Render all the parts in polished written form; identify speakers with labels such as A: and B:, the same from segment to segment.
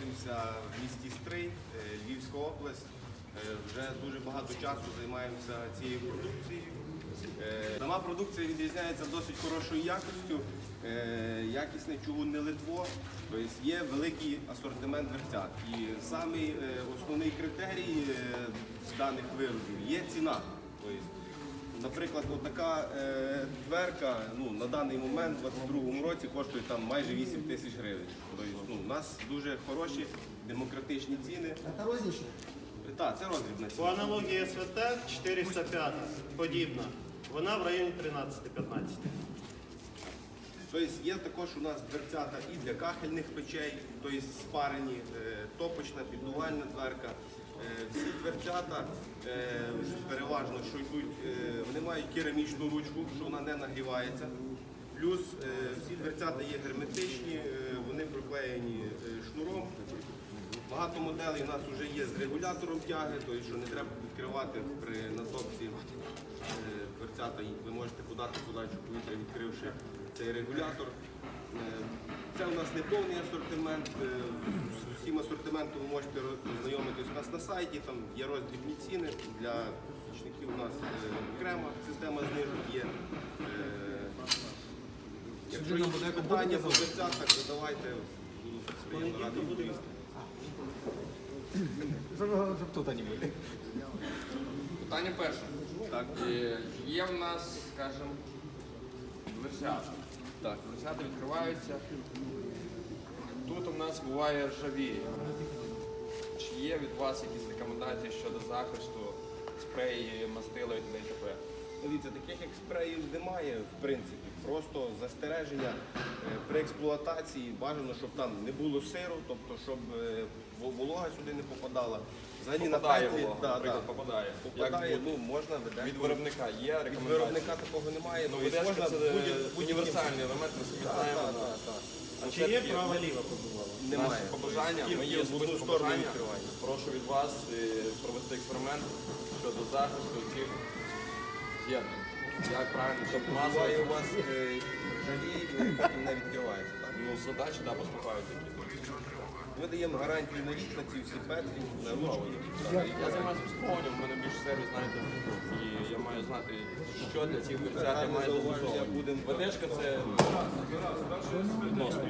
A: знаходимося в місті Стрий, Львівська область. Вже дуже багато часу займаємося цією продукцією. Сама продукція відрізняється досить хорошою якістю, якісне чугунне литво, тобто є великий асортимент дверцят. І самий основний критерій даних виробів є ціна. Тобто, наприклад, така дверка на даний момент у 2022 році коштує майже 8 тисяч гривень. Тобто, у нас дуже хороші демократичні ціни.
B: Це рознічне?
A: Так, це роздрібна ціна.
C: По аналогії СВТ 405 подібна. Вона в районі 13-15.
A: Тобто є також у нас дверцята і для кахельних печей, тобто спарені, топочна, піддувальна дверка. Всі дверцята переважно, що йдуть, вони мають керамічну ручку, що вона не нагрівається. Плюс всі дверцята є герметичні, вони приклеєні шнуром. Багато моделей у нас вже є з регулятором тяги, тобто що не треба відкривати при натопці дверцята, ви можете подати подачу повітря, відкривши цей регулятор. Це у нас не повний асортимент, з усім асортиментом ви можете ознайомитись у нас на сайті, там є роздрібні ціни, для пічників у нас окрема система знижок є. Якщо є питання по дверцятах, задавайте, буду приємно радий відповісти.
B: Тут вони були.
D: Питання перше.
A: Так.
D: Є в нас, скажімо, дверцята. Так, дверцята відкриваються. Тут у нас буває ржавіє. Чи є від вас якісь рекомендації щодо захисту, спреї, мастила і т.д.
A: Дивіться, таких як спреїв немає, в принципі. Просто застереження при експлуатації бажано, щоб там не було сиру, тобто щоб волога сюди не попадала. Взагалі
D: Попадає
A: на петлі,
D: волога, наприклад, попадає.
A: Попадає, можна видати.
D: Від виробника є
A: Від
D: рекомендації?
A: виробника такого немає.
D: Ну,
A: тобто
D: ведешка
A: можна
D: це
A: будь-яким-
D: універсальний елемент, ми самі знаємо.
A: Так.
C: А чи є права-ліва побувала?
A: Немає.
D: Наше побажання,
A: Тільки
D: ми є
A: в одну
D: особисте
A: сторону
D: побажання.
A: відкривання.
D: Прошу від вас провести експеримент щодо захисту цих з'єднань. Як правильно, щоб
A: Буває у
D: масово...
A: вас ржавіє, і вони потім не відкриваються. Так?
D: Ну, задачі, да, поступають такі.
A: Ми даємо гарантію на рік на ці всі петлі, на ручки.
D: Я займаюся обслуговуванням, в мене більше сервіс, знаєте, і я маю знати, що для цих дверцят я маю застосовувати. ВДшка це відносно.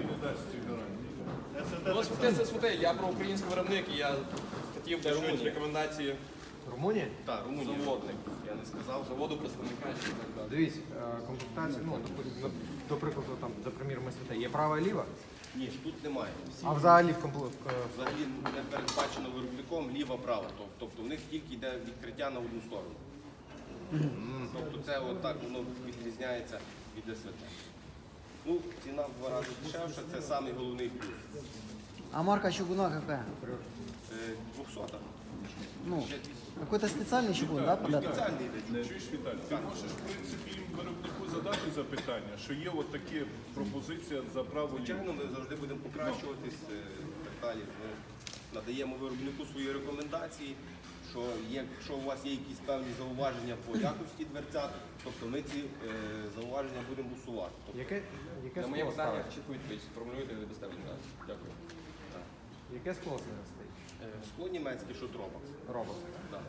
D: Ну, СВТ це СВТ, я про український виробник, і я хотів би чути
A: Румунія.
D: рекомендації
B: Румунія?
A: Так, Румунія.
D: заводник,
A: Я не сказав.
D: заводу, представника і так далі.
B: Дивіться, комплектація, до прикладу, там, за приміром СВТ, є права і ліва,
A: Ні, тут немає.
B: а взагалі в
A: Взагалі не передбачено виробником ліва-права. Тобто в них тільки йде відкриття на одну сторону. Тобто це отак воно відрізняється від СВТ. Ну, ціна в 2 рази дешевша, це самий головний плюс.
E: А марка чугуна какая?
A: 200.
E: Ну,
A: Ще 200.
E: какой-то специальный чугун, да, подать?
A: Спеціальний йде.
F: Чуєш, Віталій, ти можеш, в принципі, їм виробнику задати запитання, що є от такі пропозиція за право ліво.
A: Звичайно, ми завжди будемо покращуватись так далі. Ми надаємо виробнику свої рекомендації, що якщо у вас є якісь певні зауваження по якості дверцят, тобто ми ці зауваження будемо усувати. Тобто,
B: яке
D: На моє
B: скло
D: питання
B: ставить?
D: чітко відповідь сформулюйте і дасте відразу. Дякую.
B: Яке скло зараз стоїть?
A: скло німецьке, що Тробакс.
B: Робот.
A: Да.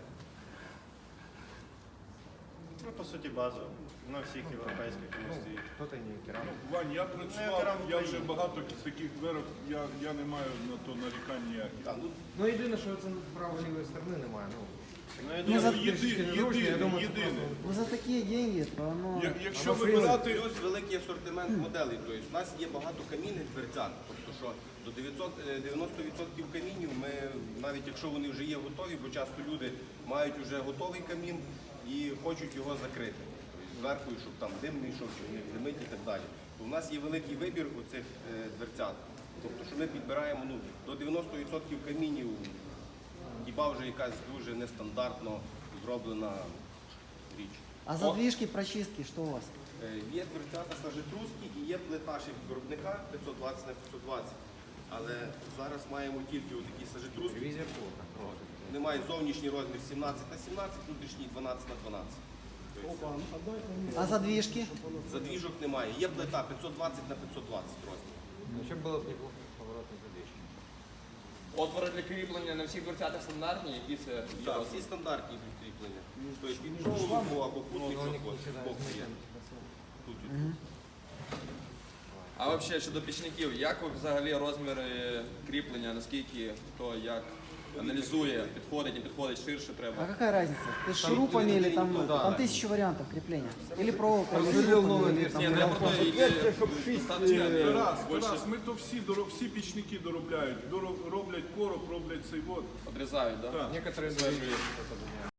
C: Ну, по суті, базово. На всіх європейських індустрій.
B: Хто-то не керамік.
F: Вань, я працював, я вже багато таких дверок, я не маю на то нарікань ніяких.
A: Так, ну,
B: Ну єдине, що це правої-лівої сторони немає.
C: Ну, я
F: Ну,
C: думаю,
F: єдине.
E: Ну за такие деньги, то оно...
F: Якщо вибирати,
A: плюс великий асортимент моделей. Тобто у нас є багато камінних дверцят. Тобто, що до 90% камінів ми, навіть якщо вони вже є готові, бо часто люди мають вже готовий камін і хочуть його закрити. Зверху, щоб там дим не йшов, щоб не димить і так далі. То у нас є великий вибір у цих дверцят. Тобто, що ми підбираємо до 90% камінів, хіба вже якась дуже нестандартно зроблена річ.
E: А задвижки, прочистки, что у вас?
A: Є дверцята сажетрускі і є плита ще від виробника 520 на 520. Але зараз маємо тільки такі сажетруски.
B: Ревізія плота.
A: Вони мають зовнішній розмір 17 на 17, внутрішній 12 на 12. Тобто,
E: А задвижки?
A: задвіжок немає. Є плита 520 на 520 розмір.
B: Ще було б неплохо поворотні задвижки.
D: Отвори для кріплення на всіх дверцятах стандартні, які це є
A: Так,
D: розмір?
A: всі стандартні кріплення. Тобто між голову або кутник збоку є. Тут і тут.
D: А взагалі щодо пічників, як ви взагалі розміри кріплення, наскільки хто як аналізує, підходить, не підходить, ширше
E: А
D: треба?
E: какая разница? Ты с шурупами или там,
A: да.
E: там 1000 вариантов крепления? Или проволока, или
B: Разделил
E: шурупами,
B: новую
E: или
B: версию.
E: там...
D: Ні, ну я про те, достатньо.
F: Тарас, ми то всі пічники доробляють. Роблять короб, роблять цей вот.
D: Одрізають, так? Да?
F: Так.
B: Некоторые даже есть, это,